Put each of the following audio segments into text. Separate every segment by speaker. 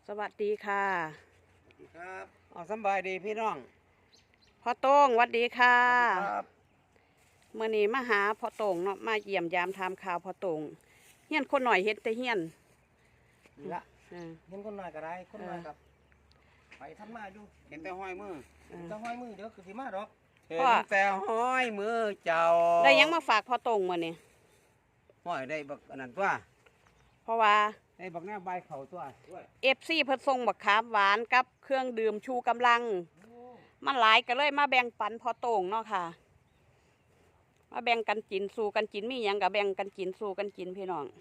Speaker 1: สวัสดีค่ะ
Speaker 2: สวัสดีครับสบายดีพี่น้อง
Speaker 1: พ่อโต้งสวัสดีค่ะ
Speaker 2: สวัสดีครับ
Speaker 1: เมื่อนี้มาหาพ่อโต้งเนาะมาเยี่ยมยามทำข่าวพ่อโต้งเฮียนคนหน่อยเฮ็ดแต่เฮียน
Speaker 2: นี่ละเห็นคนหน่อยก็ได้คนหน่อยกับไปทำมาอยู่เห็นแต่ห้อยมือจะห้อยมือเดี๋ยวคือสิมาดอกเห็นแต่ห้อยมือเจ้า
Speaker 1: ได้ยังมาฝากพ่อโต้งมื่อนี้
Speaker 2: ห้อยได้บักอันนั้นตัว
Speaker 1: เพราะว่า
Speaker 2: ได้บักแนวใบเข่าตัว
Speaker 1: FC เพิ่นส่งบักขามหวานกับเครื่องดื่มชูกำลังมันหลายก็เลยมาแบ่งปันพ่อโต้งเนาะค่ะมาแบ่งกันกินสู่กันกินมีหยังก็แบ่งกันกินสู่กันกินพี่น้อง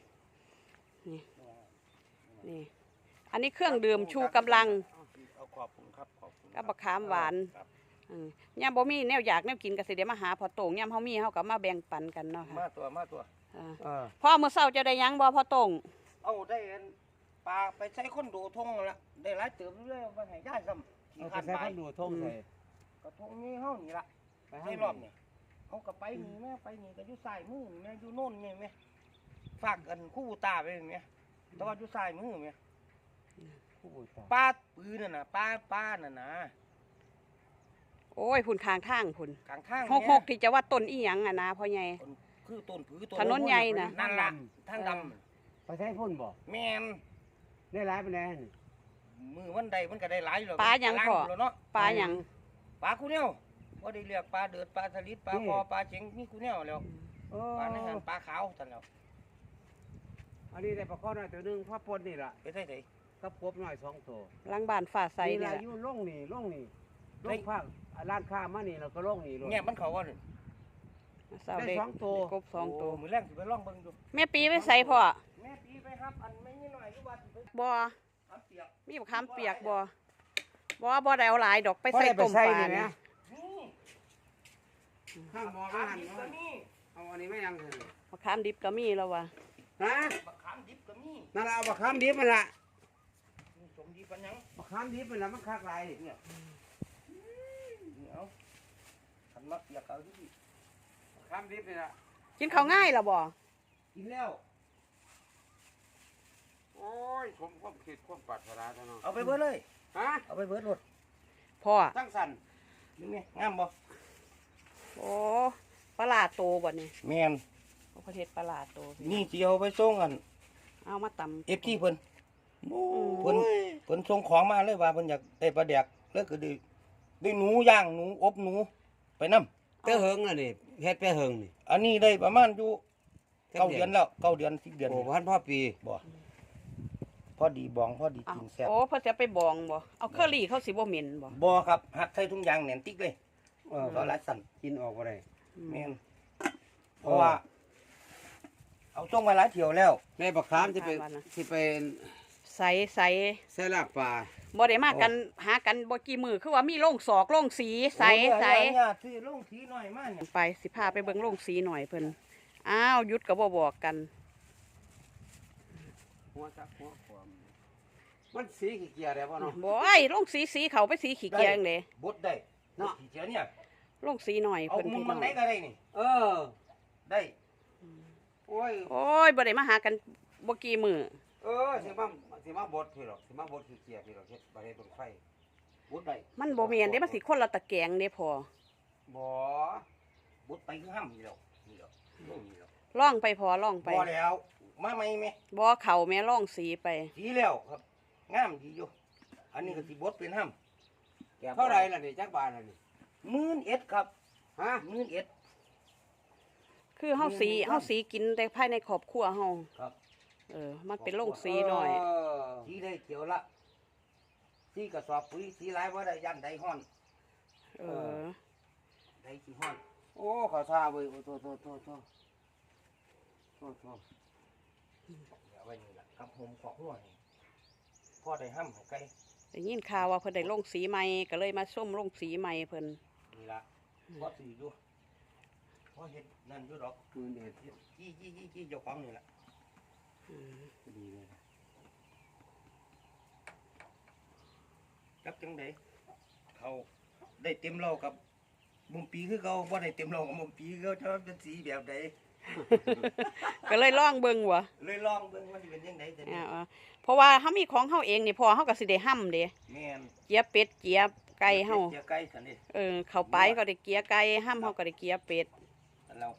Speaker 1: นี่อันนี้เครื่องดื่มชูกำลัง
Speaker 2: ขอบคุณครับขอบคุณ
Speaker 1: กับบักขามหวานย่ามบ่มีแนวอยากแนวกินก็สิเดี๋ยวมาหาพ่อโต้งย่ามเฮามีเฮาก็มาแบ่งปันกันเนาะค่ะ
Speaker 2: มาตัว
Speaker 1: พ่อมื้อเช้าจะได้ยังบ่พ่อโต้ง
Speaker 2: เอาได้ปลาไปใช้คนดูทงละได้หลายเติมเลยมาให้ย่าซ้ำขี่ขันไป
Speaker 3: ดูทงใส่
Speaker 2: กระทงนี้เฮานี่ละในรอบเนี่ยเขาก็ไปนี่แม่ไปนี่ก็อยู่สายมือแม่อยู่โน่นนี่แม่ฝากกันคู่ตาไปแม่แต่ว่าอยู่สายมือแม่ปลาปืนน่ะนะปลาน่ะนะ
Speaker 1: โอ้ยพุ่นข้างทางพุ่น
Speaker 2: ข้างทาง
Speaker 1: หกที่จะว่าต้นอีหยังอ่ะนะพ่อใหญ่
Speaker 2: คือต้นผือต้น
Speaker 1: ถนนใหญ่น่ะ
Speaker 2: นั่นล่ะทางด
Speaker 3: ไปใช้พ่นบ่
Speaker 2: แม่น
Speaker 3: ได้หลายปานใด
Speaker 2: มือวันใดมันก็ได้หลายอยู่แล้ว
Speaker 1: ปลาหยังพ่อปลาหยัง
Speaker 2: ปลาคูแนวบ่ได้เรียกปลาเดือดปลาสลิดปลาคอปลาเจ๋งนี่คูแนวแล้วปลาในหันปลาขาวซั่นแล้ว
Speaker 3: อันนี้ได้ปลาข้อน้อยตัวนึงพ่อปนนี่ล่ะ
Speaker 2: ไปใส่ไส
Speaker 3: กับกบน้อย2ตัว
Speaker 1: หลังบ้านฝ่าใส
Speaker 3: นี่ล่ะอยู่ลงนี่ลงภาคร้านค้ามานี่แล้วก็ลงนี่
Speaker 2: แง่มันเขาว่า
Speaker 3: ได้2ตัว
Speaker 1: กบ2ตัว
Speaker 2: มื้อแรกสิไปลองเบิ่งดู
Speaker 1: แม่ปีไปใส่พ่อ
Speaker 2: แม่ปีไปครับอันไม่นิดหน่อยอยู่ว่าสิไป
Speaker 1: บ่มีบักขามเปียกบ่ได้เอาหลายดอกไป
Speaker 3: ใส่
Speaker 1: ต้มปลา
Speaker 3: นี่ข้างหม้ออาหารเอาอันนี้ไม่ยัง
Speaker 1: บักขามดิบก็มีแล้วว่ะ
Speaker 3: ฮะ
Speaker 2: บักขามดิบก็มี
Speaker 3: นั่นล่ะบักขามดิบมันล่ะ
Speaker 2: สมดีปันยัง
Speaker 3: บักขามดิบมันล่ะมันคักหลายเนี่ย
Speaker 2: เอาขันมักเปียกเอาดิ
Speaker 3: บักขามดิบนี่ล่ะ
Speaker 1: กินข้าวง่ายล่ะบ่
Speaker 3: กินแล้ว
Speaker 2: โอ้ยผมความคิดความปรารถนาเท่านั้น
Speaker 3: เอาไปเบิดเลย
Speaker 2: ฮะเอาไปเบิดรถ
Speaker 1: พ่อ
Speaker 3: ตั้งสั่น
Speaker 2: นี่ไงงามบ่
Speaker 1: โอ้ปลาโตบ่นี่
Speaker 2: แม่น
Speaker 1: ประเทศปลาโต
Speaker 2: นี่สิเอาไปส่งกัน
Speaker 1: เอามาตำ
Speaker 2: FT เพิ่นเพิ่นส่งของมาเลยว่าเพิ่นอยากได้ปลาแดกแล้วก็ได้หนูย่างหนูอบหนูไปนำ
Speaker 3: เตอเหิงน่ะนี่เฮ็ดไปเหิงนี่
Speaker 2: อันนี้ได้ประมาณอยู่9 เดือนแล้ว9 เดือน10 เดือน
Speaker 3: โอ้พันพ่อปี
Speaker 2: บ่พอดีบองพอดีกินแซ่บ
Speaker 1: โอ้เพิ่นจะไปบองบ่เอาเคอรี่เขาสิบ่เหม็นบ่
Speaker 2: บ่ครับหักใส่ถุงยางแหน่นติ๊กเลยก็หลายสั่น
Speaker 3: กินออกบ่ได้
Speaker 2: แม่นเพราะว่าเอาส่งมาหลายเที่ยวแล้ว
Speaker 3: แม่บักขามสิไป
Speaker 1: ใส่
Speaker 3: ใส่ลากปลา
Speaker 1: บ่ได้มากันหากันบ่กี่มื้อคือว่ามีโรงศอกโรงสีใส่
Speaker 2: ซื้อโรงสีหน่อยมาเนี่ย
Speaker 1: ไปสิพาไปเบิ่งโรงสีหน่อยเพิ่นอ้าวหยุดก็บ่บอกกัน
Speaker 3: หัวจักหัวความมันสีขี้เกียจได้บ่เนาะ
Speaker 1: บ่ไอ้โรงสีเขาไปสีขี้เกียจจังได๋
Speaker 2: บดได้เนาะขี้เกียจเนี่ย
Speaker 1: โรงสีหน่อย
Speaker 2: เพิ่นเอามันไหนก็ได้นี่ได้
Speaker 1: โอ้ยบ่ได้มาหากันบ่กี่มื้อ
Speaker 3: สิมาบดพี่หรอกสิมาบดขี้เกียจพี่หรอกเฮ็ดบ่ได้เบิ่งไฟ
Speaker 2: บดได้
Speaker 1: มันบ่แม่นเด้มันสิคนละตะแกรงเด้พอ
Speaker 3: บ่
Speaker 2: บดไปคือห้ำนี่แล้วนี่แล้วนี่แล้ว
Speaker 1: ล่องไปพอล่องไป
Speaker 2: บ่แล้วมาใหม่แม่
Speaker 1: บ่เข้าแม่ล่องสีไป
Speaker 2: สีแล้วครับงามดีอยู่อันนี้ก็สิบดเป็นห้ำ
Speaker 3: เท่าไรล่ะนี่จักบาทล่ะนี่
Speaker 2: 11,000ครับ
Speaker 3: ฮะ
Speaker 1: 11,000คือเฮาสีกินแต่ภายในครอบครัวเฮา
Speaker 2: ครับ
Speaker 1: มันเป็นโรงสีหน่อย
Speaker 2: สีได้เขียวละสีกระสอบปุ๋ยสีหลายบ่ได้ยันได้ฮ้อนได้สิฮ้อน
Speaker 3: โอ้ขอท่าเว้ยโต
Speaker 2: เอาไว้นี่ล่ะครับผมขอหัวนี่พ่อได้ห้ำให้ไก่
Speaker 1: ได้ยินข่าวว่าเพิ่นได้ลงสีใหม่ก็เลยมาส้มลงสีใหม่เพิ่น
Speaker 2: นี่ล่ะพ่อสิอยู่พ่อเฮ็ดนั่นอยู่ดอกจี้เจ้าของนี่ล่ะ
Speaker 3: ดีเลย
Speaker 2: จับจังได๋เขาได้เต็มเรากับมุมปีคือเขาบ่ได้เต็มเรากับมุมปีเขาจะเป็นสีแบบใด
Speaker 1: ก็เลยลองเบิ่งวะ
Speaker 2: เลยลองเบิ่งว่าสิเป็นจังได๋แต่นี่
Speaker 1: เพราะว่าเฮามีของเฮาเองนี่พอเฮาก็สิได้ห้ำเด้
Speaker 2: แม่น
Speaker 1: เกียเป็ดเกียไก่เฮา
Speaker 2: เจียไก่ซั่นนี่
Speaker 1: เข้าไปก็ได้เกียไก่ห้ำเฮาก็ได้เกียเป็ด
Speaker 2: อันเรา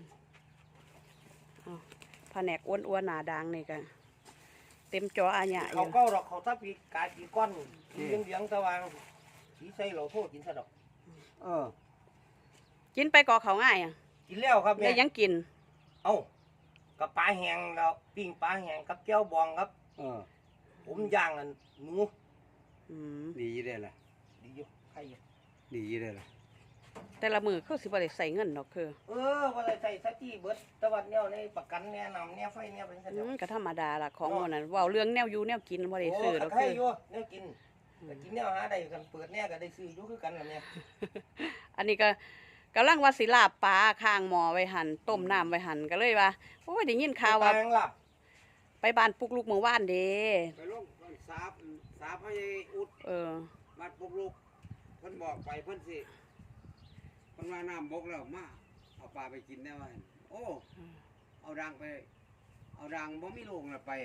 Speaker 1: แผนกอ้วนๆหน้าดังนี่ก็เต็มจออาญะอ
Speaker 2: เขา
Speaker 1: ยู่
Speaker 2: เก้าดอกเขาถ้าปีกายปีก้อนสีเหลืองๆสว่างสีใสเราโทษกินซะดอก
Speaker 3: เออ
Speaker 1: กินไปก่อเขาง่ายอ่ะ
Speaker 2: กินแล้วครับ
Speaker 1: ได้
Speaker 2: แม่
Speaker 1: ยังกิน
Speaker 2: เอ้ากับปลาแห้งแล้วปิ้งปลาแห้งกับแก้วบองครับ
Speaker 3: เออ
Speaker 2: ผมย่างอันหนู
Speaker 1: อืม
Speaker 3: ดีอยู่ได้ล่ะ
Speaker 2: ดีอยู่ใครอยู่
Speaker 3: ดีอยู่ได้ล่ะ
Speaker 1: แต่ละมือคือสิบ่ได้ใส่เงินดอกคือ
Speaker 2: ว่าใส่สตี้เบิดแตะวันแนวในประกันแนวนำแนวไฟแนวเป็นสัญญา
Speaker 1: ก็ธรรมดาล่ะของหมันนั้นเว้าเรื่องแนวอยู่แนวกินบ่ได้ซื้อดอก
Speaker 2: ใคร
Speaker 1: คือ
Speaker 2: อยู่แนวกินแต่กินแนวหาได้กันเปิดแนวก็ได้ซื้ออยู่คือกันล่ะเนี่ย
Speaker 1: อันนี้ก็กำลังว่าสิลาบปลาข้างหม้อไว้หั่นต้มน้ำไว้หั่นก็เลยว่าโอ้ยได้ยินข่าวว่า
Speaker 2: แปลงลับ
Speaker 1: ไปบ้านปุกลูกเมื่อวานเด้
Speaker 3: ไปลงสาพระยายอุด
Speaker 1: เออ
Speaker 3: วัดปุกลูกเพิ่นบอกไปเพิ่นสิเพิ่นว่าน้ำบกแล้วมาเอาปลาไปกินได้ว่าโอ้เอาดังไป เอาดังบ่มีโรงน่ะไป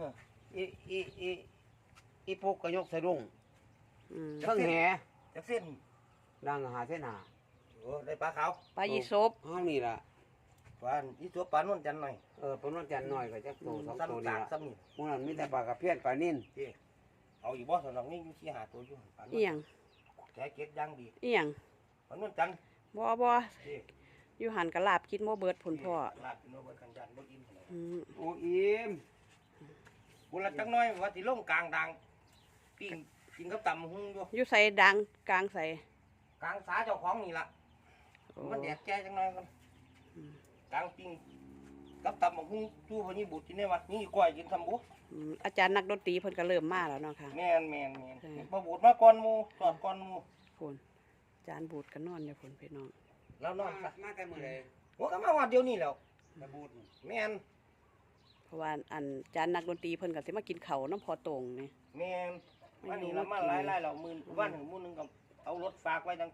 Speaker 2: อีพวกก็ยกสะดุ้ง
Speaker 1: อืม
Speaker 3: เพิ่งแห
Speaker 2: จักเส้น
Speaker 3: ดังหาเส้นหา
Speaker 2: ได้ปลาขาว
Speaker 1: ปลายีสบ
Speaker 3: ห้องนี่ล่ะ
Speaker 2: ปลาอีตัวปลานวลจันทร์หน่อย
Speaker 3: เพิ่นว่าจันน้อยก็จักโตสองโต
Speaker 2: ซ้ำ
Speaker 3: นี่
Speaker 2: ตาก
Speaker 3: ล่ะ
Speaker 2: ซ้ำนี่
Speaker 3: หมู่นั้นมีแต่ปลากระเพี้ยนปลานิ่น
Speaker 2: เอาอีกบ่สนองนี่อยู่ที่หาตัวอยู่ปลานว
Speaker 1: อี
Speaker 2: ล
Speaker 1: หยัง
Speaker 2: แกเก็ดย่างดี
Speaker 1: อีหยัง
Speaker 2: ปลานวลจันทร์
Speaker 1: บ่อยู่หันกะลาบกินบ่เบิดพุ่นพ่อ
Speaker 2: ลาดกินโนเบิดกันจันทร์บ่กิน
Speaker 1: อืม
Speaker 3: โอ้อิ่ม
Speaker 2: บุละจักหน้อยว่าสิลงกลางดังปิ้งกินกับตำหุงอยู่
Speaker 1: อยู่ใส่ดังกลางใส่
Speaker 2: กลางสาเจ้าของนี่ล่ะ
Speaker 1: โอ้
Speaker 2: มันแดดแก่จังหน่อยกันกลางปิ้งกับตำหุงจู่พนี้บุตรกินได้วัดนี่ก้อยกินทำบุ
Speaker 1: อาจารย์นักดนตรีเพิ่นก็เริ่มมาแล้วเนาะค่ะ
Speaker 2: แม่นมาบูดมาก่อนหมู่สอนก่อนหมู่
Speaker 1: พุ่นอาจารย์บูดก็นอนอยู่พุ่นพี่น้อง
Speaker 2: แล้วนอนซะ
Speaker 3: มาแต่มื้อใด
Speaker 2: หัวก็มาวัดเดียวนี้แล้ว
Speaker 3: ตะบูด
Speaker 2: แม่น
Speaker 1: เพราะว่าอันอาจารย์นักดนตรีเพิ่นก็สิมากินข้าวน้ำพอตรงนี่
Speaker 2: แม่นวันนี้เรามาหลายๆแล้วมื้อวันหนึ่งมื้อนึงก็เอารถฝากไว้ตั้ง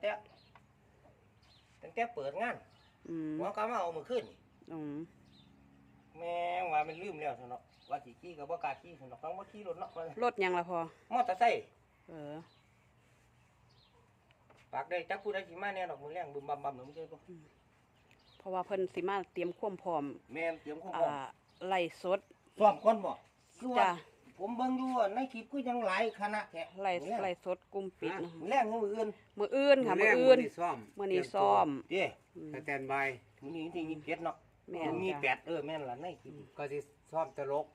Speaker 2: แต่เปิดงาน
Speaker 1: อืม
Speaker 2: หัวก็มาเอามื้อคืนนี่
Speaker 1: อืม
Speaker 2: แม่งว่ามันลืมแล้วซั่นเนาะว่าสิขี่ก็บ่กล้าขี่ซั่นเนาะฟังบ่ขี่รถเนาะว่าร
Speaker 1: ถหยังล่ะพอ
Speaker 2: มอเตอร์ไซค์
Speaker 1: เออ
Speaker 2: ฝากได้จักผู้ใดสิมาแน่ดอกมื้อแรงบึมบัมบัมมึงเจ้าบ่
Speaker 1: เพราะว่าเพิ่นสิมาเตรียมความพร้อม
Speaker 2: แม่นเตรียมของ
Speaker 1: ไล่สด
Speaker 2: ซ้อมก่อนบ่คือว่า
Speaker 1: จ้ะ
Speaker 2: ผมเบิ่งอยู่ว่าในคลิปคือยังหลายคณะแท้
Speaker 1: ไล่สดกลุ่มปิดนะ
Speaker 2: มื้อแรงมื้ออื่น
Speaker 1: มื้ออื่นค่ะมื้ออื่น
Speaker 3: ซ่อม
Speaker 1: มื้อนี้ซ้อม
Speaker 2: เด้
Speaker 1: อืม
Speaker 3: สแตนบาย
Speaker 2: มื้อนี้วันที่27เนาะ
Speaker 1: แม่น
Speaker 2: มี
Speaker 1: จ้ะ
Speaker 2: 8แม่นล่ะในคลิป
Speaker 3: ก็สิซ่อมตลก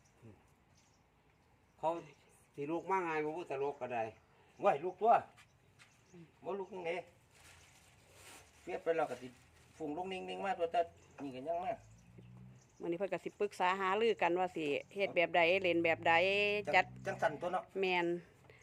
Speaker 3: เขาสิลูกมาง่ายบ่พูดตลกก็ได้
Speaker 2: ไหวลูกตัวบ่ลูกจังได๋เปียดไปแล้วก็สิฝุ่งลงนิ่งๆมาตัวแต่นี่ก็ยังมา
Speaker 1: มื้อนี้เพิ่นก็สิปรึกษาหารือกันว่าสิเฮ็ดแบบใดเล่นแบบใดจัด
Speaker 2: จังสั่นตัวเนาะ
Speaker 1: แม่น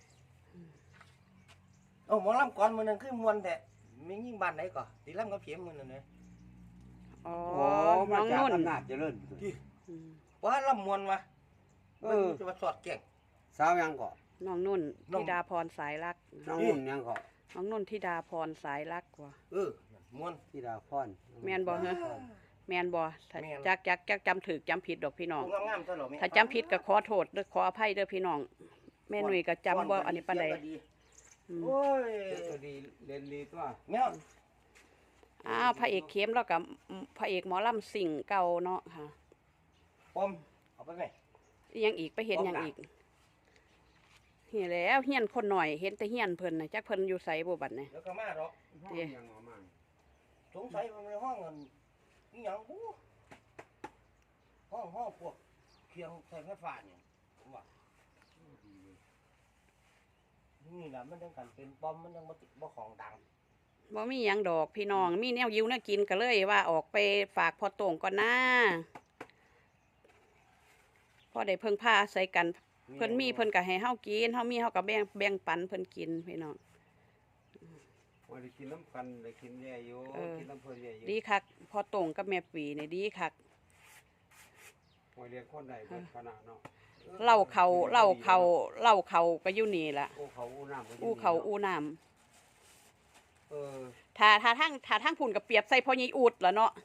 Speaker 2: เอ้าหมอลำก่อนมื้อนั้นคือม่วนแท้มียิ่งบ้านไหนก่อสิลำกับเพียมมื้อนั้นเด้
Speaker 1: อ๋อ
Speaker 3: โอ้
Speaker 1: น้
Speaker 3: มา
Speaker 1: อง
Speaker 3: จาก
Speaker 1: นุ่น
Speaker 3: อำนาจเจริญ
Speaker 1: อืม
Speaker 2: ว่าลำม่วนวะ
Speaker 3: เอ
Speaker 2: มัน
Speaker 3: อ
Speaker 2: จะมาสอดแก่ง
Speaker 3: สาวยังก็
Speaker 1: น้องนุ่น
Speaker 2: น้อง
Speaker 1: ธิดาพรสายรัก
Speaker 3: น้องนุ่นยังก็
Speaker 1: น้องนุ่นธิดาพรสายรักว่ะ
Speaker 2: ม่วน
Speaker 3: ธิดาพร
Speaker 1: แม่นบ่เหรอ แม่นบ่ถ้า
Speaker 2: แม่น
Speaker 1: จักจำถูกจำผิดดอกพี่น้อง
Speaker 2: ผู้งามๆซะเหรอแม่
Speaker 1: ถ้าจำผิดก็ขอโทษเด้อขออภัยเด้อพี่น้อง แม่หนุ่ยก็จำบ่อันนี้ปานใด อืม
Speaker 2: โอ้ย
Speaker 3: ตัวดีเล่นดีตัว
Speaker 2: แม่
Speaker 1: อ้าวพระเอกเข้มแล้วกับพระเอกหมอลำสิ่งเก่าเนาะค่ะ
Speaker 2: ปมเอาไปไหม
Speaker 1: อีหยังอีกไปเห็นหยังอีกเห็นแล้วเฮียนคนหน่อยเห็นแต่เฮียนเพิ่นน่ะจักเพิ่นอยู่ไสบ่บัดนี่
Speaker 2: แล้วก็มาดอก
Speaker 3: ห้องยังออกมา
Speaker 2: สงสัยมันในห้องเงินนี่ยังบูห้องพวกเคียงใส่ไฟฟ้าเนี่ยผมว่านี่แหละมันยังกันเป็นปอมมันยังบ่ของดัง
Speaker 1: บ่มีหยังดอกพี่น้องมีแนวยิวแนวกินก็เลยว่าออกไปฝากพอโต่งก่อนนะพอได้เพิ่งพาอาศัยกันเพิ่นมีเพิ่นก็ให้เฮากินเฮามีเฮาก็แบ่งปันเพิ่นกินพี่น้อง
Speaker 3: ว่าได้กินน้ำกันได้กินแย่อยู่
Speaker 1: เออ
Speaker 3: กินน้ำเพลินแย่อยู่
Speaker 1: ดีคักพอโต่งกับแม่ปีนี่ดีคัก
Speaker 3: ว่าเรียนคนใดเป็นขนาดเนาะ
Speaker 1: เล่าเขาก็อยู่นี่ล่ะ
Speaker 3: อู้เขาอู้น้ำก็ยู่
Speaker 1: อู้เขาอู้น้ำ
Speaker 3: เออ
Speaker 1: ถ้าทั้งผุ่นกับเปรียบใส่พ่อใหญ่อูดล่ะเนาะ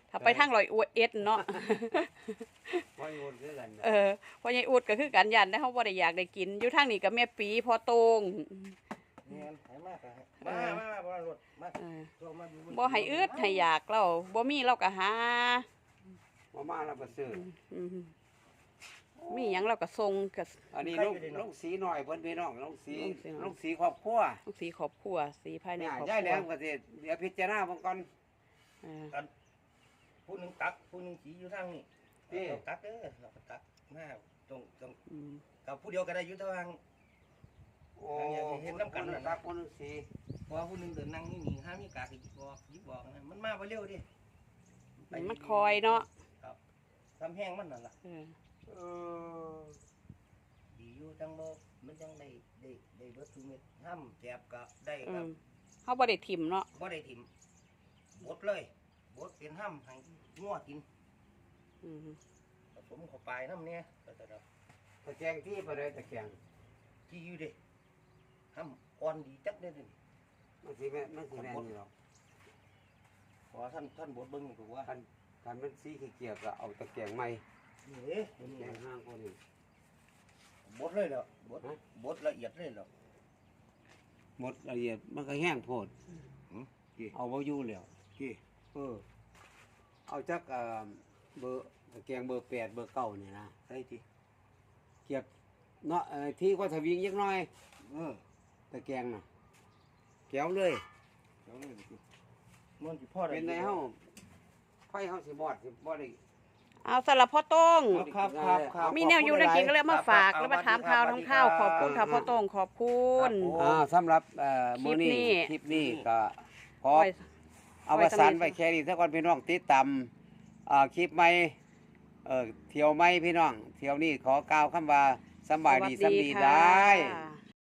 Speaker 1: ถ้าไปทางร้อยเอ็ดเนาะ
Speaker 3: บ่โยนคือกัน
Speaker 1: พ่อใหญ่อุดก็คือกันยันได้เฮาบ่ได้อยากได้กินอยู่ทางนี้ก็แม่ปีพ่อโตง
Speaker 2: แม่นให้มากมาบ่รถมา
Speaker 1: เออ
Speaker 2: ตัวมาดู
Speaker 1: บ่ให้อึดให้อยากเราบ่มีเราก็หา
Speaker 3: บ่มาแล้วก็ซื้อ
Speaker 1: อืมมีหยังเราก็ส่งก็
Speaker 3: อันนี้ลูกสีหน่อยเพิ่นพี่น้องลูกสี
Speaker 1: ลูกสี
Speaker 3: ลูกสีครอบครัว
Speaker 1: ลูกสีครอบครัวสีภายใน
Speaker 3: เนี่ย
Speaker 1: ครอบค
Speaker 3: ยายแหล
Speaker 1: รัว
Speaker 3: มก็สิเดี๋ยวพิจารณาเบิ่งก่อน
Speaker 1: เออ
Speaker 2: ผู้หนึงตักผู้หนึงสีอยู่ทางนี้เราตักเราก็ตักมาตรง
Speaker 1: อืม
Speaker 2: กับผู้เดียวก็ได้อยู่ทาง
Speaker 3: โอ้
Speaker 2: เห็นน้ำกันน่ะ
Speaker 3: ครับคนสี
Speaker 2: เพราะว่าผู้หนึงเดินนั่งนี่ห้ามีกากหยิบบอกนะมันมาบ่เร็วดิ
Speaker 1: มันคอยเนาะ
Speaker 2: ทำแห้งมันนั่นล่ะ
Speaker 1: เออ
Speaker 3: เออ
Speaker 2: ดีอยู่จังบ่มันยังได้เบิดทุกเม็ดห้ามแจบก็ได้
Speaker 1: อื
Speaker 2: กับ
Speaker 1: มเฮาบ่ได้ถิ่มเนาะ
Speaker 2: บ่ได้ถิ่มบดเลยบดเป็นห้ามให้งัวกิน
Speaker 1: อืม
Speaker 2: ผสมเข้าไปน้ำเนี่ยแต่
Speaker 3: ตะแกรงที่ไปเลยตะแกรง
Speaker 2: ที่อยู่ดิห้ามอ่อนดีจักได้ดิ
Speaker 3: มันสิแม่นี่หรอก
Speaker 2: ขอท่านบดเบิ่งถูกว่า
Speaker 3: คันมันสีเขียวก็เอาตะแกรงใหม่
Speaker 2: นี่
Speaker 3: ตะแกรงห้างคนนี้
Speaker 2: บดเลยเหรอบดละเอียดเลยเหรอ
Speaker 3: หมดละเอียดมันก็แห้งโพด
Speaker 2: กี่
Speaker 3: เอาบ่อยู่แล้ว
Speaker 2: กี่
Speaker 3: เอาจักเบอร์ตะแกรงเบอร์8เบอร์9นี่นะ
Speaker 2: ใช่ที
Speaker 3: เกียบเนาะที่ก็ทวิงยักหน่อย ตะแกรงน่ะแก้วเลย
Speaker 2: เดี๋ยวนี่ดิมันสิพ่อได้
Speaker 3: เป็นไงเฮาไฟเฮาสิบอดสิบ่ได้
Speaker 1: เอาสลับพ่อโต้ง
Speaker 2: ครับ
Speaker 1: มีแนวอยู่ในกินก็เลยมาฝากแล้วมาถามข่าวทำข้าวขอบคุณค่ะพ่อโต้งขอบคุณ
Speaker 3: สำหรับมื้อนี้
Speaker 1: คลิปนี้
Speaker 3: คลิปนี้ก็ขอ
Speaker 1: ไว้
Speaker 3: เอาประสานไว้แค่นี้ถ้าก่อนพี่น้องติดตามคลิปใหม่เที่ยวใหม่พี่น้องเที่ยวนี้ขอกล่าวคำว่าสำบายดีสำดีได้
Speaker 1: ค่ะ